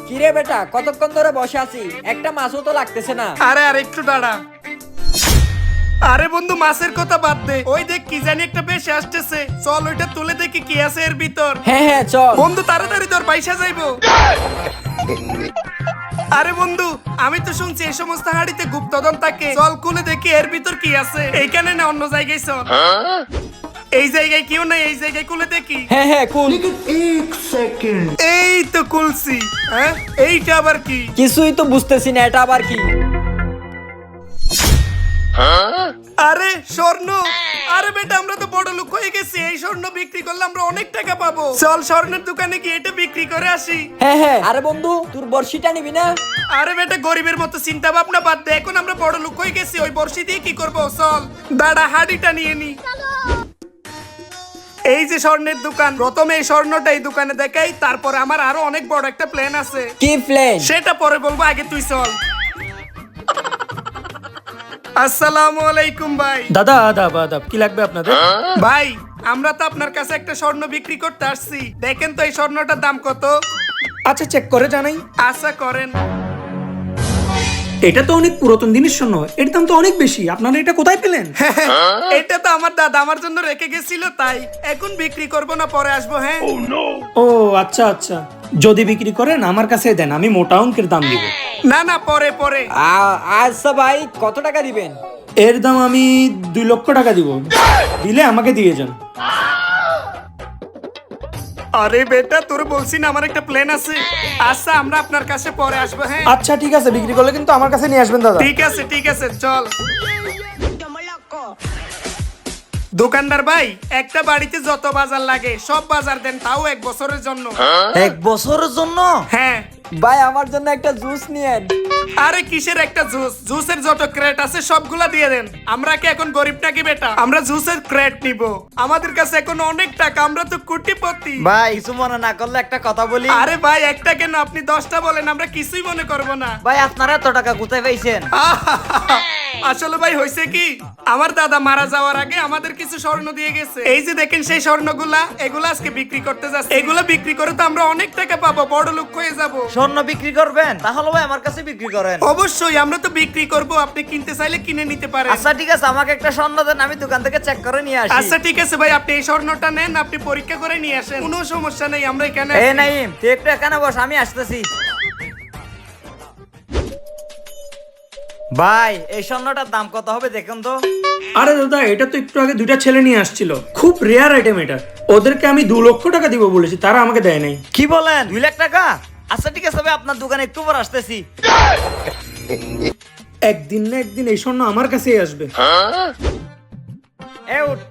কিরে বেটা, কতক্ষণ ধরে বসে আছি, একটা মাছও তো লাগতেছে না। আরে আর একটু দাঁড়া। আরে বন্ধু, মাছের কথা বাদ দে, ওই দেখ কি জানি একটা বেশি আসতেছে, চল ওইটা তুলে দেখি কি আছে এর ভিতর। হ্যাঁ হ্যাঁ চল। বন্ধু তাড়াতাড়ি তোর পয়সা যাইবো। আরে বন্ধু, আমি তো শুনছি এই সমস্ত হাড়িতে গুপ্তধন থাকে, চল খুলে দেখি এর ভিতর কি আছে। এইখানে না অন্য জায়গায় চল। এই জায়গায় কেউ নাই, এই জায়গায় খুলে দেখি। হ্যাঁ হ্যাঁ কুল। এই তো খুলছি। হ্যাঁ, এইটা আবার কি? কিছুই তো বুঝতেছি না, এটা আবার কি? আরে স্বর্ণ। আরে বেটা, আমরা তো বড় লোক হয়ে গেছি, এই স্বর্ণ বিক্রি করলে আমরা অনেক টাকা পাবো। চল স্বর্ণের দোকানে গিয়ে এটা বিক্রি করে আসি। হ্যাঁ হ্যাঁ। আরে বন্ধু, তোর বর্ষিটা নিবি না? আরে বেটা, গরিবের মতো চিন্তা ভাবনা বাদ দে, এখন আমরা বড় লোক হয়ে গেছি, ওই বর্ষি দিয়ে কি করবো? চল দাঁড়া, হাড়িটা নিয়ে নি। এই যে স্বর্ণের দোকান, প্রথমে এই স্বর্ণটা এই দোকানে দেখাই, তারপর আমার আরো অনেক বড় একটা প্ল্যান আছে। কি প্লেন? সেটা পরে বলবো, আগে তুই চল। আসসালামু আলাইকুম ভাই। দাদা আদাব আদাব, কি লাগবে আপনাদের? ভাই, আমরা তো আপনার কাছে একটা স্বর্ণ বিক্রি করতে আসছি, দেখেন তো এই স্বর্ণটার দাম কত। আচ্ছা, চেক করে জানাই। আশা করেন। এটা তো অনেক পুরাতন জিনিস, শোনো, এর দাম তো অনেক বেশি। আপনারা এটা কোথায় পেলেন? এটা তো আমার দাদা আমার জন্য রেখে গেছিল, তাই এখন বিক্রি করব না, পরে আসবো। হ্যাঁ। ও আচ্ছা আচ্ছা, যদি বিক্রি করেন আমার কাছে দেন, আমি মোটা অঙ্কের দাম দিব। না না, পরে পরে। আচ্ছা ভাই, কত টাকা দিবেন? এর দাম আমি 2 লক্ষ টাকা দিব, দিলে আমাকে দিয়ে যান। আরে বেটা, তোর বলছি না আমার একটা প্ল্যান আছে। আচ্ছা, আমরা আপনার কাছে পরে আসবো। হ্যাঁ আচ্ছা ঠিক আছে, বিক্রি করলে কিন্তু আমার কাছে নিয়ে আসবেন দাদা। ঠিক আছে, ঠিক আছে, চল। দোকানদার ভাই, একটা বাড়িতে যত বাজার লাগে সব বাজার দেন, তাও 1 বছরের জন্য। 1 বছরের জন্য? হ্যাঁ ভাই, আমার জন্য একটা জুস নিয়েন। আরে কিসের একটা জুস? জুসের যত ক্রেট আছে সবগুলা দিয়ে দেন। আমরা কি এখন গরিব নাকি বেটা? আমরা জুসের ক্রেট নিব, আমাদের কাছে এখন অনেক টাকা, আমরা তো কোটিপতি। ভাই কিছু মনে না করলে একটা কথা বলি। আরে ভাই, একটা কেন, আপনি 10টা বলেন, আমরা কিছুই মনে করব না। ভাই আপনারা এত টাকা কোথায় পাইছেন? আসলে ভাই হয়েছে কি, আমার দাদা মারা যাওয়ার আগে আমাদের কিছু স্বর্ণ দিয়ে গেছে, এই যে দেখেন সেই স্বর্ণগুলা, এগুলা আজকে বিক্রি করতে যাচ্ছি। এগুলা বিক্রি করে তো আমরা অনেক টাকা পাবো, বড় লোক হয়ে যাব। স্বর্ণ বিক্রি করবেন? তাহলে ভাই আমার কাছে বিক্রি করেন। অবশ্যই, আমরা তো বিক্রি করব, আপনি কিনতে চাইলে কিনে নিতে পারেন। আচ্ছা ঠিক আছে, আমাকে একটা স্বর্ণ দেন, আমি দোকান থেকে চেক করে নিয়ে আসি। আচ্ছা ঠিক আছে ভাই, আপনি এই স্বর্ণটা নেন, আপনি পরীক্ষা করে নিয়ে আসেন, কোনো সমস্যা নেই, আমরা এখানে এই আছি। নাইম, তুই একটু এখানে বস, আমি আসতেছি। ভাই এই স্বর্ণটার দাম কত হবে দেখুন তো। আরে দাদা, এটা তো একটু আগে 2টা ছেলে নিয়ে আসছিল, খুব রেয়ার আইটেম এটা। ওদেরকে আমি 2 লক্ষ টাকা দিব বলেছি, তারা আমাকে দেয় নাই। কি বলেন, 2 লাখ টাকা? আচ্ছা ঠিক আছে ভাই, আপনার দোকানে একটু পর আসতেছি। একদিন না একদিন এই স্বর্ণ আমার কাছেই আসবে। এ উঠ।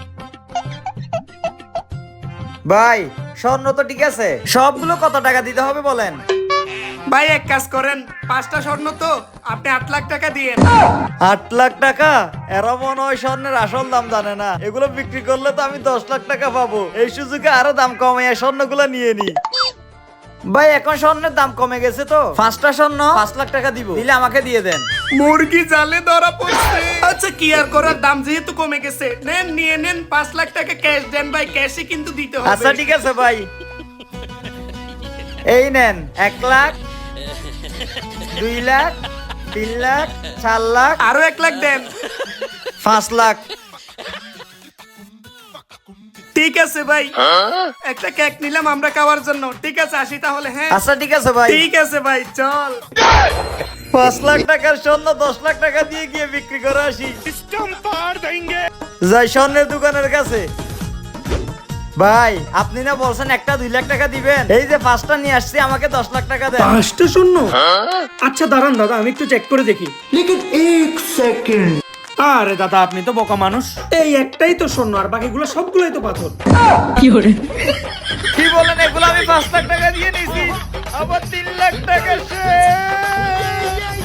ভাই স্বর্ণ তো ঠিক আছে, সবগুলো কত টাকা দিতে হবে বলেন? ভাই এক কাজ করেন, 5টা স্বর্ণ তো, আপনি 8 লাখ টাকা দিয়ে। 8 লাখ টাকা? এরা মনে হয় স্বর্ণের আসল দাম জানে না, এগুলো বিক্রি করলে তো আমি 10 লাখ টাকা পাবো। এই সুযোগে আরো দাম কমে স্বর্ণগুলো নিয়ে নি। ভাই এখন স্বর্ণের দাম কমে গেছে তো, 5টা স্বর্ণ 5 লাখ টাকা দিব, দিলে আমাকে দিয়ে দেন। মুরগি জালে ধরা পড়ছে। আচ্ছা কি আর করার, দাম যেহেতু কমে গেছে, নেন, নিয়ে নেন, 5 লাখ টাকা ক্যাশ দেন ভাই, ক্যাশে কিন্তু দিতে হবে। আচ্ছা ঠিক আছে ভাই, এই নেন 1 লাখ, 2 লাখ, 3 লাখ, 4 লাখ, আরো 1 লাখ দেন। 5 লাখ। ঠিক আছে ভাই, একটা কেক নিলাম আমরা খাওয়ার জন্য। ঠিক আছে, আসি তাহলে। হ্যাঁ আচ্ছা ঠিক আছে ভাই। ঠিক আছে ভাই, চল। 5 লাখ টাকার স্বর্ণ 10 লাখ টাকা দিয়ে গিয়ে বিক্রি করে আসি। যাই স্বর্ণের দোকানের কাছে। ভাই আপনি না বলছেন একটা 2 লাখ টাকা দিবেন, এই যে 5টা নিয়ে আসছি, আমাকে 10 লাখ টাকা দেন। 5টা স্বর্ণ? আচ্ছা দাঁড়ান দাদা, আমি একটু চেক করে দেখি। আরে দাদা, আপনি তো বোকা মানুষ, এই একটাই তো স্বর্ণ, আর বাকিগুলো সবগুলোই তো পাথর। কি বলেন, এগুলো আমি 5 লাখ টাকা দিয়ে নিয়েছি, আবার 3 লাখ টাকা শেষ।